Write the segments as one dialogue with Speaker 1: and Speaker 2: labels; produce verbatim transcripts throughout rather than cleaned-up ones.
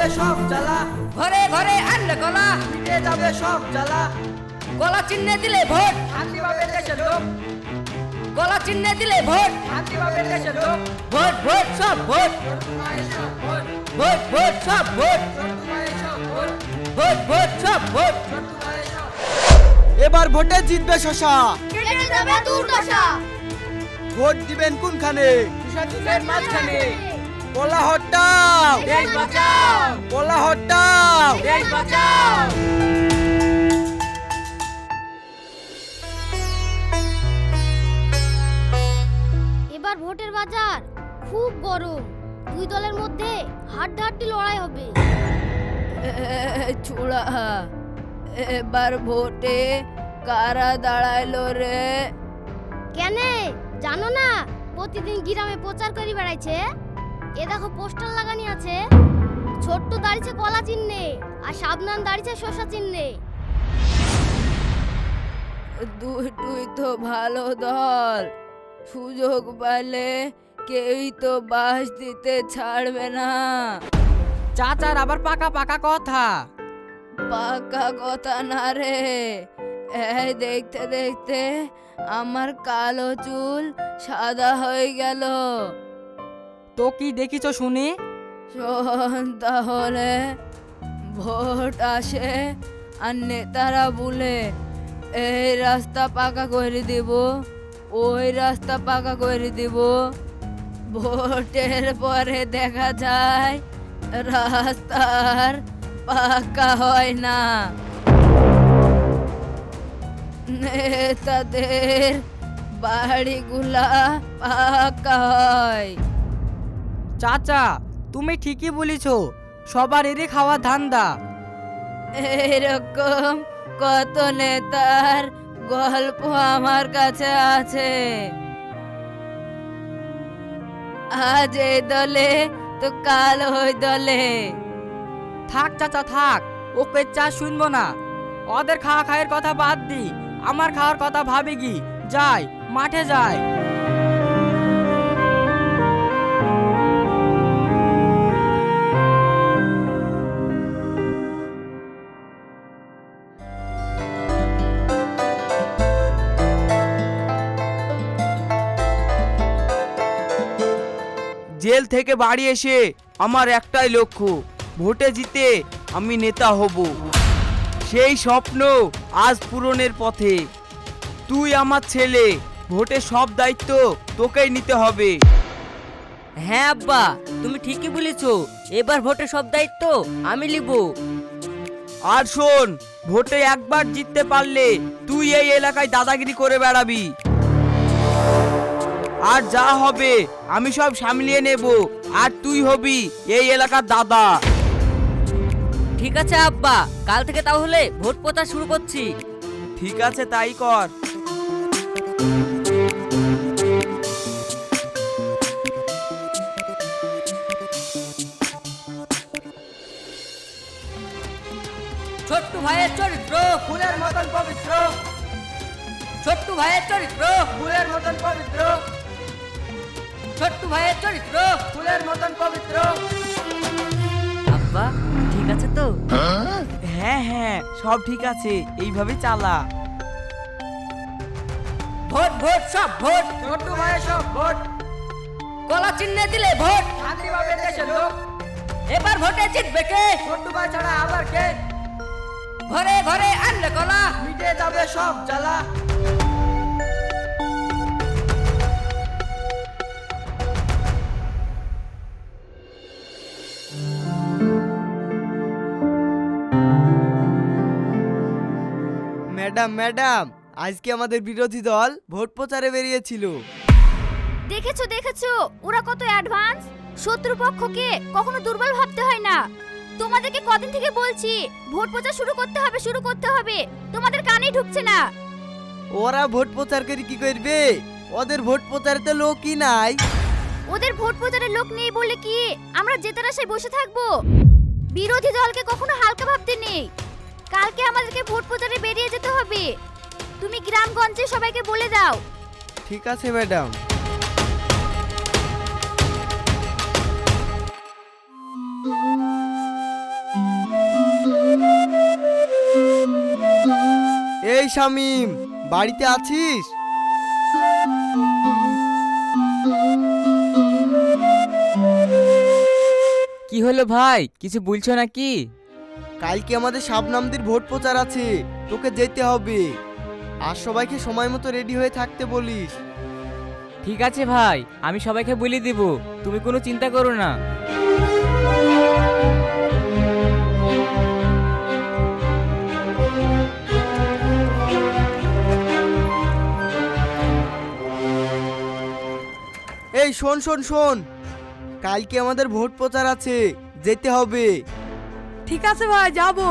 Speaker 1: সব জ্বালা,
Speaker 2: ঘরে ঘরে আনলে কলা,
Speaker 1: মিটে যাবে সব জ্বালা।
Speaker 2: কলা চিহ্নে দিলে ভোট,
Speaker 1: শান্তি পাবে দেশের লোক,
Speaker 2: কলা চিহ্নে দিলে ভোট,
Speaker 1: শান্তি পাবে দেশের লোক।
Speaker 2: ভোট ভোট সব ভোট,
Speaker 1: চট্টগ্রামের সব ভোট,
Speaker 2: ভোট ভোট সব ভোট,
Speaker 1: চট্টগ্রামের সব ভোট,
Speaker 2: ভোট ভোট সব ভোট।
Speaker 1: চট্টগ্রামের সব। এবার ভোটে জিতবে শশা,
Speaker 3: কেটে যাবে দুর্দশা।
Speaker 1: ভোট দিবেন কোনখানে?
Speaker 2: বিষাদুষের মাঝখানে,
Speaker 1: কলা হট্টাও,
Speaker 2: দেশ বাঁচাও,
Speaker 1: কলা হট্টাও।
Speaker 2: দেশ বাঁচাও।
Speaker 3: এবার ভোটের বাজার খুব গরম, দুই দলের মধ্যে হাড্ডাহাড্ডি লড়াই হবে।
Speaker 2: চূড়া, এবার ভোটে কারা দাঁড়াইলো রে?
Speaker 3: কেনে জানো না, প্রতিদিন গ্রামে প্রচার করে বেড়াইছে। এ দেখো পোস্টার লাগানি আছে, ছোট্ট দাঁড়িয়েছে কলা চিহ্নে আর সাবনান দাঁড়িয়েছে শসা চিহ্নে।
Speaker 2: দুইটুই তো ভালো দল, সুযোগ পেলে কেউই তো বাস দিতে ছাড়বে না।
Speaker 1: চাচার আবার পাকা পাকা কথা।
Speaker 2: পাকা কথা না রে, এই দেখতে দেখতে আমার কালো চুল সাদা হয়ে গেল।
Speaker 1: তো কি দেখিছ শুনি?
Speaker 2: শোন তাহলে, ভোট আসে আর নেতারা বলে এই রাস্তা পাকা করে দিব, ওই রাস্তা পাকা করে দিব। ভোটের পরে দেখা যায় রাস্তার পাকা হয় না, নেতাদের বাড়িগুলা পাকা হয়।
Speaker 1: চাচা তুমি ঠিকই বলেছ, সবার এরই খাওয়া ধান্দা।
Speaker 2: এরকম কত নেতার গল্প আমার কাছে আছে। আজ এই দলে তো কাল ওই দলে।
Speaker 1: থাক চাচা থাক, ওকে চা শুনবো না। ওদের খাওয়া খায়ের কথা বাদ দি, আমার খাওয়ার কথা ভাবি কি। যাই মাঠে যাই। জেল থেকে বাড়ি এসে আমার একটাই লক্ষ্য, ভোটে জিতে আমি নেতা হব। সেই স্বপ্ন আজ পূরণের পথে। তুই আমার ছেলে, ভোটে সব দায়িত্ব তোকেই নিতে হবে।
Speaker 2: হ্যাঁ আব্বা, তুমি ঠিকই বলেছো, এবার ভোটে সব দায়িত্ব আমি নিব।
Speaker 1: আর শোন, ভোটে একবার জিততে পারলে তুই এই এলাকায় দাদাগিরি করে বেড়াবি। আর যা হবে আমি সব সামলিয়ে নেব, আর তুই হবি এই এলাকার দাদা।
Speaker 2: ঠিক আছে আব্বা, কাল থেকে তাহলে ভোট প্রচার শুরু করছি।
Speaker 1: ঠিক আছে তাই কর।
Speaker 2: ছোট্ট ভাইয়ের চরিত্র
Speaker 1: ফুলের মতন পবিত্র,
Speaker 2: ছোট্ট ভাইয়ের চরিত্র
Speaker 1: ফুলের মতন পবিত্র,
Speaker 2: ছোট্ট ভাইয়ের চরিত্র।
Speaker 1: ফুলের মতন পবিত্র।
Speaker 2: আব্বা ঠিক আছে তো?
Speaker 1: হ্যাঁ হ্যাঁ সব ঠিক আছে, এইভাবে চালা।
Speaker 2: ভোট ভোট সব ভোট,
Speaker 1: ছোট্ট ভাইয়ের সব ভোট,
Speaker 2: কলা চিহ্নে দিলে ভোট।
Speaker 1: শান্তি পাবে দেশের লোক,
Speaker 2: এবার ভোটে জিতবে কে?
Speaker 1: ছোট্ট ভাই ছাড়া আবার কে?
Speaker 2: ঘরে ঘরে আনলে কলা,
Speaker 1: মিটে যাবে সব জ্বালা। ম্যাডাম ম্যাডাম, আজকে আমাদের বিরোধী দল ভোট প্রচারে বেরিয়েছিল।
Speaker 3: দেখেছো দেখেছো ওরা কত অ্যাডভান্স। শত্রুপক্ষকে কখনো দুর্বল ভাবতে হয় না। তোমাদেরকে কদিন থেকে বলছি ভোট প্রচার শুরু করতে হবে শুরু করতে হবে, তোমাদের কানেই ঢুকছে না।
Speaker 1: ওরা ভোট প্রচার করে কি করবে? ওদের ভোট প্রচারে তো লোকই নাই।
Speaker 3: ওদের ভোট প্রচারের লোক নেই বলে কি আমরা জেতার আশায় বসে থাকবো? বিরোধী দলকে কখনো হালকা ভাবতে নেই। কালকে আমাদেরকে ভোট প্রচারে বেরিয়ে যেতে হবে। তুমি গ্রামগঞ্জে সবাইকে বলে দাও।
Speaker 1: ঠিক আছে ম্যাডাম।
Speaker 4: এই শামিম, বাড়িতে আছিস?
Speaker 1: কি হলো ভাই, কিছু বলছো নাকি?
Speaker 4: কালকে আমাদের শাবনামদের ভোট প্রচার আছে, তোকে যেতে হবে। আর সবাইকে সময় মতো রেডি হয়ে থাকতে বলিস।
Speaker 1: ঠিক আছে ভাই, আমি সবাইকে বলে দিব, তুমি কোনো চিন্তা করো না।
Speaker 4: এই শোন শোন শোন, কালকে আমাদের ভোট প্রচার আছে, যেতে হবে।
Speaker 5: ঠিক আছে ভাই, যাবো।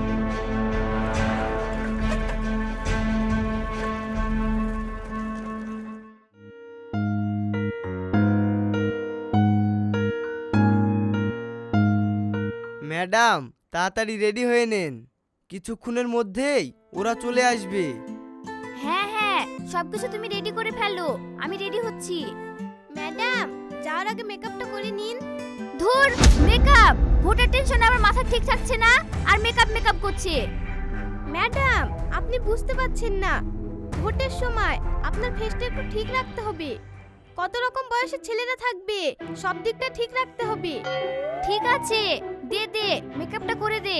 Speaker 4: ম্যাডাম, তাড়াতাড়ি রেডি হয়ে নেন, কিছুক্ষণের মধ্যেই ওরা চলে আসবে।
Speaker 3: হ্যাঁ হ্যাঁ, সবকিছু তুমি রেডি করে ফেলো, আমি রেডি হচ্ছি। ম্যাডাম, যাওয়ার আগে মেকআপটা করে নিন। ধুর, মেকআপ! ভোটের টেনশনে আমার মাথা ঠিক থাকছে না, আর মেকআপ মেকআপ করছে। ম্যাডাম, আপনি বুঝতে পারছেন না, ভোটের সময় আপনার ফেসটা একটু ঠিক রাখতে হবে। কত রকম বয়সের ছেলেরা থাকবে, সব দিকটা ঠিক রাখতে হবে। ঠিক আছে, দে দে, মেকআপটা করে দে।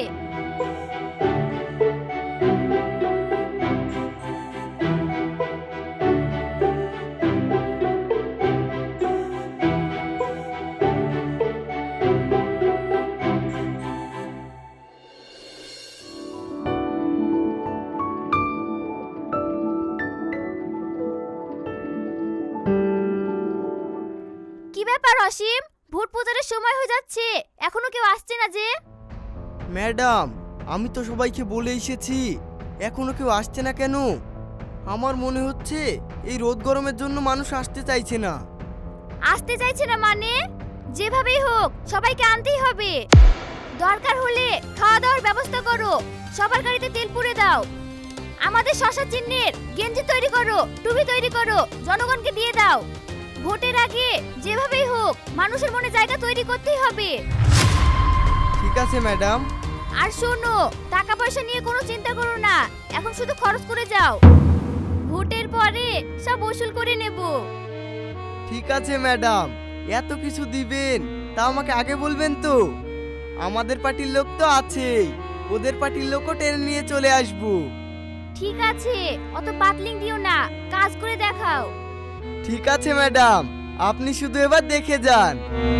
Speaker 3: কি ব্যাপার অসীম, ভোট প্রচারের সময় হয়ে যাচ্ছে, এখনো কেউ আসছে না যে?
Speaker 4: ম্যাডাম, আমি তো সবাইকে বলে এসেছি, এখনো কেউ আসছে না কেন? আমার মনে হচ্ছে এই রোদ গরমের জন্য মানুষ আসতে চাইছে না।
Speaker 3: আসতে চাইছে না মানে? যেভাবেই হোক সবাইকে আনতেই হবে। দরকার হলে খাওয়া দাওয়ার ব্যবস্থা করো, সবার গাড়িতে তেল পুড়ে দাও। আমাদের শশা চিহ্নের গেঞ্জি তৈরি করো, টুপি তৈরি করো, জনগণকে দিয়ে দাও। ভোটের আগে যেভাবেই হোক মানুষের মনে জায়গা তৈরি করতেই হবে।
Speaker 4: ঠিক আছে ম্যাডাম।
Speaker 3: আর শোনো, টাকা পয়সা নিয়ে কোনো চিন্তা করো না, এখন শুধু খরচ করে যাও, ভোটের পরে সব ওসুল করে নেব।
Speaker 4: ঠিক আছে ম্যাডাম, এত কিছু দিবেন তা আমাকে আগে বলবেন তো। আমাদের পার্টির লোক তো আছেই, ওদের পার্টির লোকও টেনে নিয়ে চলে আসবো।
Speaker 3: ঠিক আছে, অত বাতলিং দিও না, কাজ করে দেখাও।
Speaker 4: ঠিক আছে ম্যাডাম, আপনি শুধু এবার দেখে যান।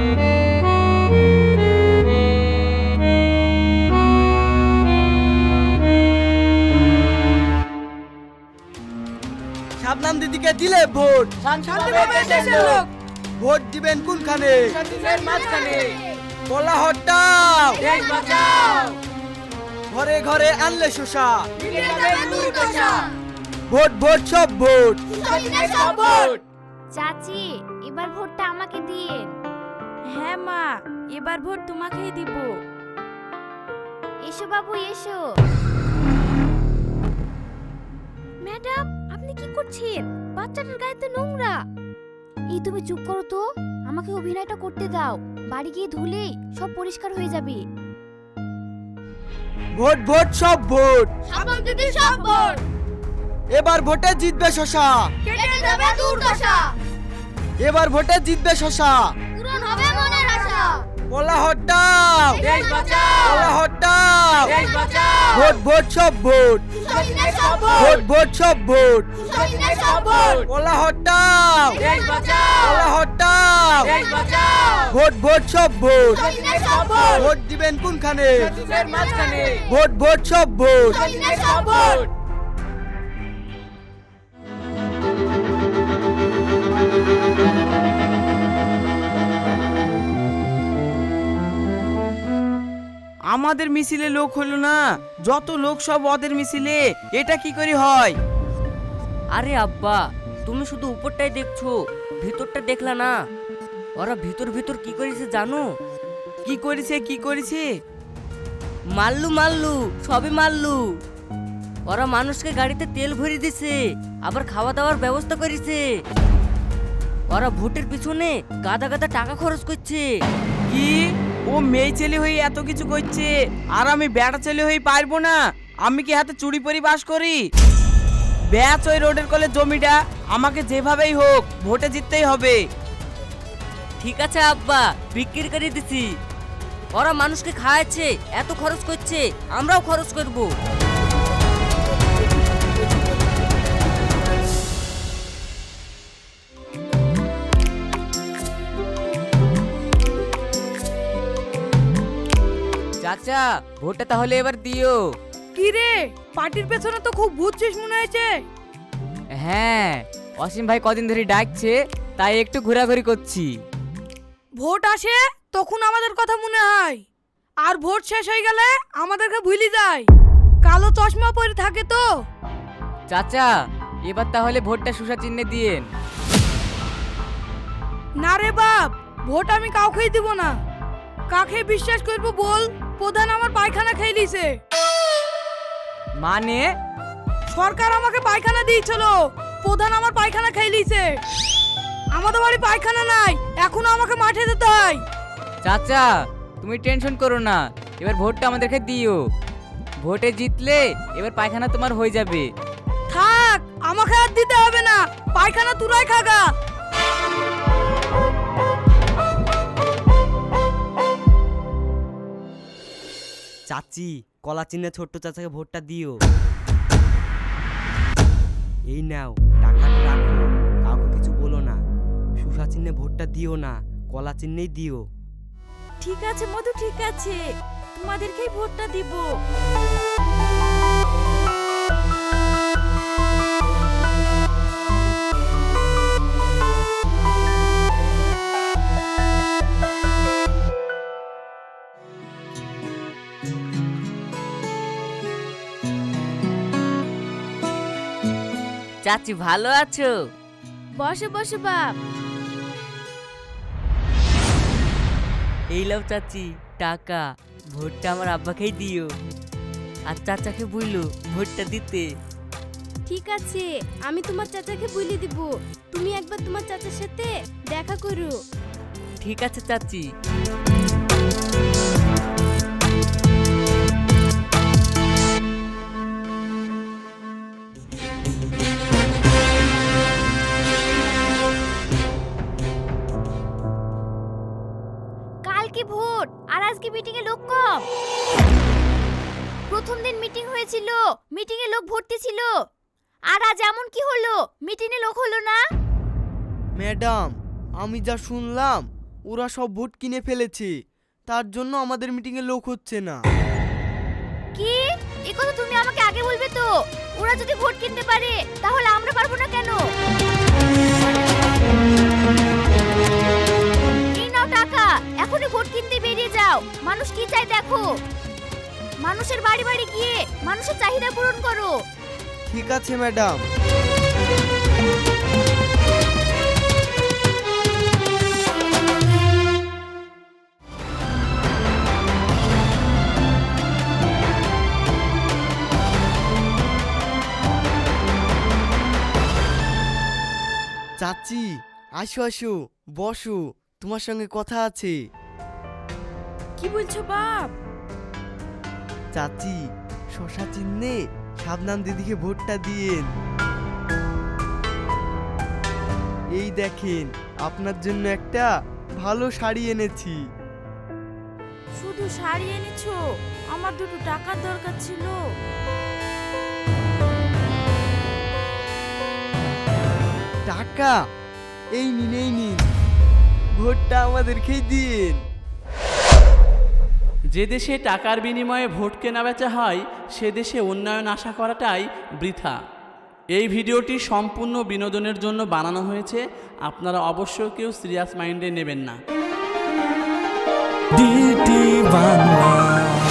Speaker 4: শাবনাম দিদিকে দিলে ভোট,
Speaker 5: শান্তিভাবে দেশের লোক।
Speaker 4: ভোট দিবেন কোনখানে?
Speaker 5: দেশের মাঝখানে।
Speaker 4: বলা হটাও,
Speaker 5: দেশ বাঁচাও।
Speaker 4: ঘরে ঘরে আনলে শোষা,
Speaker 5: মিটে যাবে দুর্দশা।
Speaker 4: ভোট ভোট সব ভোট।
Speaker 5: সত্যিকার সব ভোট।
Speaker 3: চাচি, এবার ভোটটা আমাকে দিয়েন।
Speaker 5: হ্যাঁ মা, এবার ভোট তোমাকেই দিব।
Speaker 3: এসো বাবু এসো। ম্যাডাম, আপনি কি করছেন? বাচ্চাটার গায়ে তো নোংরা। এই তুমি চুপ করো তো, আমাকে অভিনয়টা করতে দাও, বাড়ি গিয়ে ধুলেই সব পরিষ্কার হয়ে যাবে।
Speaker 4: ভোট ভোট সব ভোট।
Speaker 5: শাবনাম দিদি সব ভোট।
Speaker 4: এবার ভোটে জিতবে শশা,
Speaker 5: কেটে যাবে দুর্দশা।
Speaker 4: এবার ভোটে জিতবে শশা।
Speaker 3: পূরণ হবে মনের আশা।
Speaker 4: বলা হটাও,
Speaker 5: দেশ বাঁচাও।
Speaker 4: বলা হটাও,
Speaker 5: দেশ বাঁচাও।
Speaker 4: ভোট ভোট সব ভোট।
Speaker 5: সত্যিকার সব
Speaker 4: ভোট
Speaker 5: ভোট।
Speaker 4: ভোট সব ভোট।
Speaker 5: সত্যিকার সব ভোট।
Speaker 4: বলা হটাও,
Speaker 5: দেশ বাঁচাও।
Speaker 4: বলা হটাও,
Speaker 5: দেশ বাঁচাও।
Speaker 4: ভোট ভোট সব ভোট।
Speaker 5: সত্যিকার সব ভোট।
Speaker 4: ভোট দিবেন কোনখানে?
Speaker 5: দেশের মাঝখানে।
Speaker 4: ভোট ভোট সব ভোট।
Speaker 5: সত্যিকার সব ভোট।
Speaker 1: আমাদের মিছিলে লোক হলো না, যত লোক সব ওদের মিছিলে, এটা কি করে হয়?
Speaker 2: আরে আব্বা, তুমি শুধু উপরটাই দেখছো, ভিতরটা দেখলা না। ওরা ভিতর ভিতর কি করেছে জানো?
Speaker 1: কি করেছে কি করেছে?
Speaker 2: মাল্লু মাল্লু, সবই মাল্লু। ওরা মানুষকে গাড়িতে তেল ভরে দিছে, আবার খাওয়া দাওয়ার ব্যবস্থা করেছে। ওরা ভোটের পিছনে গাদা গাদা টাকা খরচ করছে।
Speaker 1: কি? ও মেয়ে ছেলে হয়ে এত কিছু করছে, আর আমি বেটা ছেলে হয়ে পারবো না? আমি কি হাতে চুরি পরি বাস করি? ব্যাচ ওই রোডের কলে জমিটা আমাকে যেভাবেই হোক ভোটে জিততেই হবে।
Speaker 2: ঠিক আছে আব্বা, বিক্রি করে দিছি। ওরা মানুষকে খাওয়াচ্ছে, এত খরচ করছে, আমরাও খরচ করব। চাচা, ভোটটা তাহলে এবার দিও।
Speaker 5: কি রে, পার্টির পেছনে তো খুব বুঝছিস মনে হয়েছে।
Speaker 2: হ্যাঁ, অসীম ভাই কদিন ধরে ডাকছে, তাই একটু ঘোরাঘুরি করছি।
Speaker 5: ভোট আসে তখন আমাদের কথা মনে হয়, আর ভোট শেষ হয়ে গেলে আমাদেরকে ভুলি যায়। কালো চশমা পরে থাকে তো।
Speaker 2: চাচা, এবার তাহলে ভোটটা সুষা চিহ্নে দিয়েন।
Speaker 5: না রে বাপ, ভোট আমি কাউকেই দিব না। কাকে বিশ্বাস করবো বল? প্রধান আমার পায়খানা খেয়ে দিয়েছে।
Speaker 2: মানে?
Speaker 5: সরকার আমাকে পায়খানা দিয়েছিল, প্রধান আমার পায়খানা খেয়ে দিয়েছে। আমাদের বাড়ি পায়খানা নাই, এখনো আমাকে মাঠে যেতে হয়।
Speaker 2: চাচা, তুমি টেনশন করো না, এবার ভোটটা আমাদেরকে দিও। ভোটে জিতলে এবার পায়খানা তোমার হয়ে যাবে।
Speaker 5: থাক, আমাকে আর দিতে হবে না, পায়খানা তুরাই খাগা।
Speaker 4: চাচি, কলা চিহ্নে ছোট্ট চাচাকে ভোটটা দিও। এই নাও, টাকাটা রাখো, কাউকে কিছু বলো না। সুষা চিহ্নে ভোটটা দিও না, কলা চিহ্নেই দিও।
Speaker 5: ঠিক আছে মধু, ঠিক আছে, তোমাদেরকেই ভোটটা দিব।
Speaker 2: চাচি, ভালো আছো?
Speaker 3: বসো বসো বাপ।
Speaker 2: এই লাও চাচি টাকা, ভোটটা আমার আব্বাকেই দিও। আর চাচাকে বললো ভোটটা দিতে।
Speaker 3: ঠিক আছে, আমি তোমার চাচাকে বলে দিব। তুমি একবার তোমার চাচার সাথে দেখা করো।
Speaker 2: ঠিক আছে চাচি।
Speaker 3: কালকে ভোট আর আজকে মিটিং এ লোক কম। প্রথম দিন মিটিং হয়েছিল, মিটিং এ লোক ভর্তি ছিল। আর আজ এমন কি হলো, মিটিং এ লোক হলো না?
Speaker 4: ম্যাডাম, আমি যা শুনলাম ওরা সব ভোট কিনে ফেলেছে, তার জন্য আমাদের মিটিংয়ে লোক হচ্ছে না।
Speaker 3: কি? এই কথা তুমি আমাকে আগে বলবে তো। ওরা যদি ভোট কিনতে পারে তাহলে আমরা পারবো না কেন? এই নাও টাকা, এখনই ভোট কিনতে বেরিয়ে যাও। মানুষ কি চায় দেখো। মানুষের বাড়ি বাড়ি গিয়ে মানুষের চাহিদা পূরণ করো।
Speaker 4: ঠিক আছে ম্যাডাম। চাচি, আসো আসো, বসো, তোমার সঙ্গে কথা আছে।
Speaker 5: কি বলছো বাপ?
Speaker 4: চাচি, শশা চিহ্নে শাবনাম দিদিকে ভোটটা দিয়েন। এই দেখেন, আপনার জন্য একটা ভালো শাড়ি এনেছি।
Speaker 5: শুধু শাড়ি এনেছো? আমার দুটো টাকার দরকার ছিল।
Speaker 4: টাকা? এই নিন, এই নিন, ভোটটা আমাদেরকেই দিন।
Speaker 6: যে দেশে টাকার বিনিময়ে ভোট কেনা বেচা হয় সে দেশে উন্নয়ন আশা করাটাই বৃথা। এই ভিডিওটি সম্পূর্ণ বিনোদনের জন্য বানানো হয়েছে, আপনারা অবশ্যই কেউ সিরিয়াস মাইন্ডে নেবেন না।
Speaker 7: ডিটি বাংলা।